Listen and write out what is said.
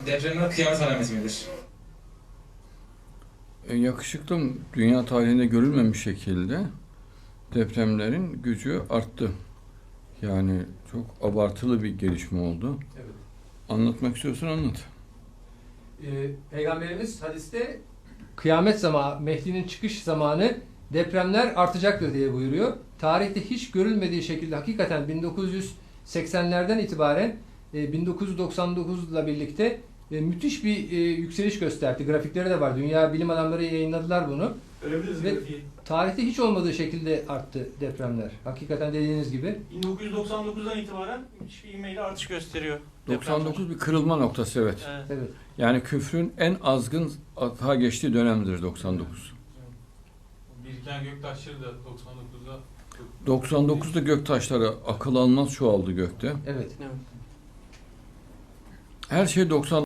Depremler kıyamet alameti midir? Yakışıklım, dünya tarihinde görülmemiş şekilde depremlerin gücü arttı. Yani çok abartılı bir gelişme oldu. Evet. Anlatmak istiyorsan anlat. Peygamberimiz hadiste kıyamet zamanı, Mehdi'nin çıkış zamanı depremler artacaktır diye buyuruyor. Tarihte hiç görülmediği şekilde hakikaten 1980'lerden itibaren 1999 ile birlikte müthiş bir yükseliş gösterdi. Grafikleri de var. Dünya bilim adamları yayınladılar bunu. Görebiliriz Ve grafiği. tarihte hiç olmadığı şekilde arttı depremler. Hakikaten dediğiniz gibi. 1999'dan itibaren müthiş bir ivmeyle artış gösteriyor. 99 bir kırılma noktası, evet. Evet. Evet. Yani küfrün en azgın atağa geçtiği dönemdir 99. Biriken göktaşları da 99'da 99'da göktaşları akıl almaz çoğaldı gökte. Evet. Evet. Her şey 90